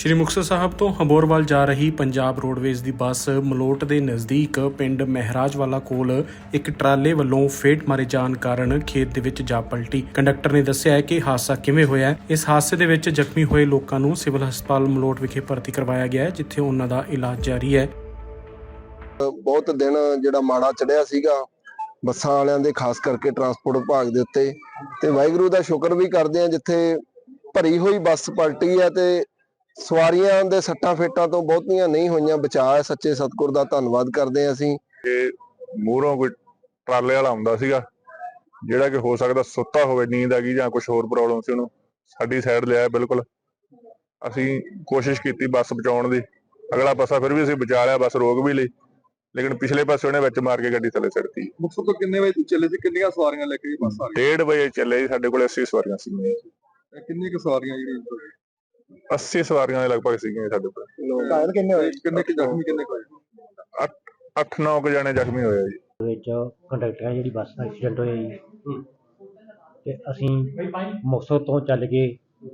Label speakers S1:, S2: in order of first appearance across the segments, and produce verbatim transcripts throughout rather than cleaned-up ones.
S1: ਸ਼੍ਰੀ ਮੁਕਤਸਰ ਸਾਹਿਬ ਤੋਂ ਹਬੋਰ ਵੱਲ ਜਾ ਰਹੀ ਪੰਜਾਬ ਰੋਡਵੇਜ਼ ਦੀ ਬੱਸ ਮਲੋਟ ਦੇ ਨਜ਼ਦੀਕ ਪਿੰਡ ਮਹਿਰਾਜਵਾਲਾ ਕੋਲ ਇੱਕ ਟਰਾਲੇ ਵੱਲੋਂ ਫੇਟ ਮਾਰੇ ਜਾਣ ਕਾਰਨ ਖੇਤ ਦੇ ਵਿੱਚ ਜਾ ਪਲਟੀ। ਕੰਡਕਟਰ ਨੇ ਦੱਸਿਆ ਹੈ ਕਿ ਹਾਦਸਾ ਕਿਵੇਂ ਹੋਇਆ। ਇਸ ਹਾਦਸੇ ਦੇ ਵਿੱਚ ਜ਼ਖਮੀ ਹੋਏ ਲੋਕਾਂ ਨੂੰ ਸਿਵਲ ਹਸਪਤਾਲ ਮਲੋਟ ਵਿਖੇ ਭਰਤੀ ਕਰਵਾਇਆ ਗਿਆ ਹੈ, ਜਿੱਥੇ ਉਹਨਾਂ ਦਾ ਇਲਾਜ ਜਾਰੀ ਹੈ।
S2: ਬਹੁਤ ਦਿਨ ਜਿਹੜਾ ਮਾੜਾ ਚੜਿਆ ਸੀਗਾ ਬੱਸਾਂ ਵਾਲਿਆਂ ਦੇ, ਖਾਸ ਕਰਕੇ ਟਰਾਂਸਪੋਰਟ ਵਿਭਾਗ ਦੇ ਉੱਤੇ, ਤੇ ਵਾਹਿਗੁਰੂ ਦਾ ਸ਼ੁਕਰ ਵੀ ਕਰਦੇ ਆ ਜਿੱਥੇ ਭਰੀ ਹੋਈ ਬੱਸ ਪਲਟੀ ਹੈ ਤੇ ਸਵਾਰੀਆਂ ਦੇ ਸੱਟਾਂ ਫੇਟਾਂ ਤੋਂ ਬਹੁਤੀਆਂ ਨਹੀਂ ਹੋਈਆਂ। ਬਚਾਅ ਹੈ, ਸੱਚੇ ਸਤਿਗੁਰ ਦਾ ਧੰਨਵਾਦ ਕਰਦੇ ਹਾਂ ਅਸੀਂ।
S3: ਇਹ ਮੂਹਰੋਂ ਕੋਈ ਟਰਾਲੇ ਵਾਲਾ ਆਉਂਦਾ ਸੀਗਾ ਜਿਹੜਾ ਕਿ ਹੋ ਸਕਦਾ ਸੁੱਤਾ ਹੋਵੇ, ਨੀਂਦ ਆ ਗਈ ਜਾਂ ਕੁਝ ਹੋਰ ਪ੍ਰੋਬਲਮ ਸੀ, ਉਹਨੂੰ ਸਾਡੀ ਸਾਈਡ ਲਿਆ। ਬਿਲਕੁਲ ਅਸੀਂ ਕੋਸ਼ਿਸ਼ ਕੀਤੀ ਬੱਸ ਬਚਾਉਣ ਦੀ, ਅਗਲਾ ਪਾਸਾ ਫਿਰ ਵੀ ਅਸੀਂ ਬਚਾ ਲਿਆ, ਬੱਸ ਰੋਕ ਵੀ ਲਈ, ਲੇਕਿਨ ਪਿਛਲੇ ਪਾਸੇ ਉਹਨੇ ਵਿੱਚ ਮਾਰ ਕੇ ਗੱਡੀ ਥੱਲੇ ਸਿੱਟਤੀ।
S4: ਮੁਕਤਸਰ ਤੋਂ ਕਿੰਨੇ ਵਜੇ ਚੱਲੇ ਸੀ? ਕਿੰਨੀਆਂ ਸਵਾਰੀਆਂ ਲੈ ਕੇ ਬੱਸ ਆ ਗਈ?
S3: ਡੇਢ ਵਜੇ ਚੱਲੇ ਜੀ, ਸਾਡੇ ਕੋਲ ਅੱਸੀ ਸਵਾਰੀਆਂ ਸੀਗੀਆਂ।
S4: ਕਿੰਨੀਆਂ ਕੁ ਸਵਾਰੀਆਂ ਜਿਹੜੀਆਂ?
S3: ਅੱਸੀ ਸਵਾਰੀਆਂ ਦੇ ਲਗਭਗ ਸੀਗੀਆਂ ਸਾਡੇ ਕੋਲ।
S4: ਘਾਇਲ ਕਿੰਨੇ ਹੋਏ? ਕਿੰਨੇ ਕੁ ਜ਼ਖਮੀ ਕਿੰਨੇ ਹੋਏ?
S3: ਅੱਠ ਨੌ ਕੁ ਜਣੇ ਜ਼ਖਮੀ ਹੋਏ ਜੀ।
S5: ਵਿੱਚ ਕੰਡਕਟਰ ਹੈ ਜਿਹੜੀ ਬੱਸ ਦਾ ਐਕਸੀਡੈਂਟ ਹੋਇਆ ਜੀ, ਤੇ ਅਸੀਂ ਮੁਕਤਸਰ ਤੋਂ ਚੱਲ ਕੇ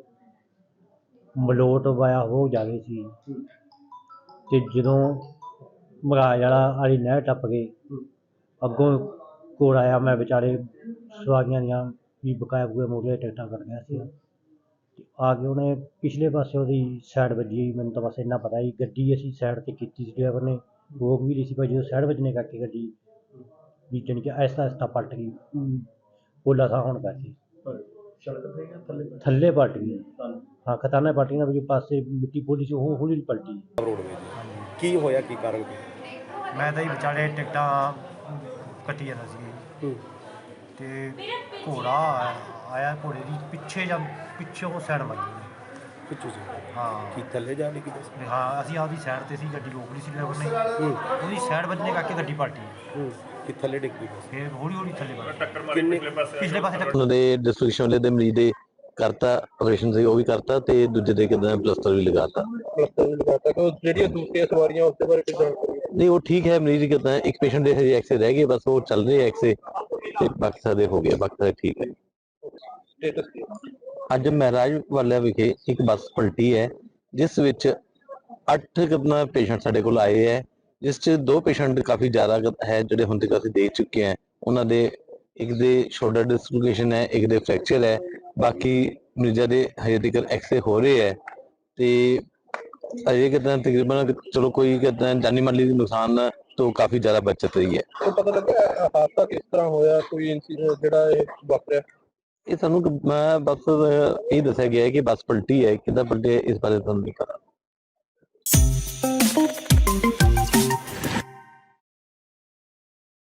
S5: ਮਲੋਟ ਵਾਇਆ ਹੋ ਜਾ ਰਹੇ ਸੀ, ਤੇ ਜਦੋਂ ਮਹਾਰਾਜ ਵਾਲਾ ਵਾਲੀ ਨਹਿਰ ਟੱਪ ਕੇ ਅੱਗੋਂ ਕੋਲ ਆਇਆ, ਮੈਂ ਵਿਚਾਰੇ ਸਵਾਰੀਆਂ ਦੀਆਂ ਵੀ ਬਕਾਇਆ ਬੂਏ ਮੋੜੇ ਟਿਕਟਾਂ ਕੱਟ ਗਿਆ ਸੀ, ਤੇ ਆ ਕੇ ਉਹਨੇ ਪਿਛਲੇ ਪਾਸੇ ਉਹਦੀ ਸਾਈਡ ਵੱਜੀ। ਮੈਨੂੰ ਤਾਂ ਬਸ ਇੰਨਾ ਪਤਾ ਜੀ, ਗੱਡੀ ਅਸੀਂ ਸਾਈਡ 'ਤੇ ਕੀਤੀ ਸੀ, ਡਰਾਈਵਰ ਨੇ ਰੋਕ ਵੀ ਲਈ ਸੀ, ਪਰ ਜਦੋਂ ਸਾਈਡ ਵੱਜਣੇ ਕਰਕੇ ਗੱਡੀ ਵੀ ਜਾਣੀ ਕਿ ਆਹਿਸਤਾ ਆਹਿਸਤਾ ਪਲਟ ਗਈ, ਪੋਲਾ ਥਾਂ ਹੋਣ ਕਰਕੇ ਥੱਲੇ ਪਲਟ ਗਈ। ਹਾਂ, ਖਤਾਨਾ ਪਲਟ ਗਈ ਨਾ, ਵੀ ਪਾਸੇ ਮਿੱਟੀ ਪੋਲੀ ਸੀ, ਉਹ ਹੌਲੀ ਪਲਟੀ।
S6: ਕੀ ਹੋਇਆ, ਕੀ ਕਾਰਨ?
S5: ਮੈਂ ਤਾਂ ਹੀ ਵਿਚਾਲੇ ਟਿਕਟਾਂ ਕੱਟੀ ਜਾਂਦਾ ਸੀ, ਤੇ ਘੋੜਾ ਆਇਆ, ਘੋੜੇ ਦੀ ਪਿੱਛੇ ਜਾਂ ਪਿੱਛੋਂ ਸਾਈਡ ਵੱਜੀ
S6: ਪਿੱਛੇ ਸੀ?
S5: ਹਾਂ।
S6: ਕੀ ਥੱਲੇ ਜਾ ਲਈ ਕਿਤੇ?
S5: ਹਾਂ, ਅਸੀਂ ਆਪਦੀ ਸਾਈਡ ਤੇ ਸੀ, ਗੱਡੀ ਰੋਕ ਲਈ ਸੀ ਡਰਾਈਵਰ ਨੇ, ਉਹਦੀ ਸਾਈਡ ਵੱਜਣੇ ਕਰਕੇ ਗੱਡੀ ਪਲਟੀ,
S6: ਕਿ ਥੱਲੇ ਡਿੱਗ ਪਈ?
S5: ਫਿਰ ਹੌਲੀ ਹੌਲੀ ਥੱਲੇ ਵੱਜ
S6: ਕਿੰਨੇ
S5: ਪਿਛਲੇ ਪਾਸੇ ਟੱਕਰ।
S7: ਉਹਨਾਂ ਦੇ ਡਿਸਟ੍ਰਿਕਸ਼ਨ ਵਾਲੇ ਦੇ ਮਰੀਜ਼ ਦੇ ਕਰਤਾ ਆਪਰੇਸ਼ਨ ਸੀ, ਉਹ ਵੀ ਕਰਤਾ, ਤੇ ਦੂਜੇ ਦੇ ਕਿਦਾਂ ਪਲਸਟਰ ਵੀ ਲਗਾਤਾ।
S6: ਪਲਸਟਰ ਵੀ ਲਗਾਤਾ। ਕਿ ਜਿਹੜੀਆਂ ਦੂਸਰੀਆਂ ਸਵਾਰੀਆਂ ਉਸ ਦੇ ਬਾਰੇ ਕੁਝ ਜਾਣਕਾਰੀ?
S7: ਨਹੀਂ, ਉਹ ਠੀਕ ਹੈ, ਮਰੀਜ਼ ਕਿਦਾਂ ਇੱਕ ਪੇਸ਼ੈਂਟ ਦੇ ਹਜੇ ਐਕਸੇ ਰਹਿ ਗਏ, ਬਸ ਉਹ ਚੱਲ ਰਹੇ ਐਕਸੇ, ਤੇ ਬਾਕੀ ਸਾਰੇ ਹੋ ਗਏ, ਬਾਕੀ ਸਾਰੇ ਠੀਕ ਹੈ।
S6: ਸਟੇਟਸ ਕੀ?
S7: ਅੱਜ ਮਹਿਰਾਜ ਵਾਲਿਆ ਵਿਖੇ ਇੱਕ ਬੱਸ ਪਲਟੀ ਹੈ, ਜਿਸ ਵਿੱਚ ਅੱਠ ਕਿੰਨਾ ਪੇਸ਼ੈਂਟ ਸਾਡੇ ਕੋਲ ਆਏ ਹੈ, ਜਿਸ 'ਚ ਦੋ ਪੇਸ਼ੈਂਟ ਕਾਫੀ ਜ਼ਿਆਦਾ ਹੈ ਜਿਹੜੇ ਹੁਣ ਤੱਕ ਅਸੀਂ ਦੇਖ ਚੁੱਕੇ ਹਾਂ। ਉਹਨਾਂ ਦੇ ਇੱਕ ਦੇ ਸ਼ੋਲਡਰ ਡਿਸਲੋਕੇਸ਼ਨ ਹੈ, ਇੱਕ ਦੇ ਫ੍ਰੈਕਚਰ ਹੈ, ਬਾਕੀ ਮਰੀਜ਼ਾਂ ਦੇ ਹਜੇ ਤੱਕ ਐਕਸਰੇ ਹੋ ਰਹੇ ਹੈ, ਤੇ ਅਜੇ ਕਿਦਾਂ ਤਕਰੀਬਨ ਚਲੋ ਕੋਈ ਕਿਦਾਂ ਜਾਨੀ ਮਾਲੀ ਨੁਕਸਾਨ ਤੋਂ ਕਾਫੀ ਜ਼ਿਆਦਾ ਬਚਤ ਰਹੀ ਹੈ।
S6: ਪਤਾ ਲੱਗਾ ਹਾਦਸਾ ਕਿਸ ਤਰ੍ਹਾਂ ਹੋਇਆ? ਕੋਈ ਇਨਸੀਡੈਂਟ ਜਿਹੜਾ ਇਹ ਵਾਪਰਿਆ?
S7: ਇਹ ਸਾਨੂੰ ਮੈਂ ਬਸ ਇਹ ਦੱਸਿਆ ਗਿਆ ਹੈ ਕਿ ਬੱਸ ਪਲਟੀ ਹੈ, ਕਿੱਦਾਂ ਪਲਟੀ ਹੈ, ਇਸ ਬਾਰੇ ਤੁਹਾਨੂੰ ਨਹੀਂ ਪਤਾ।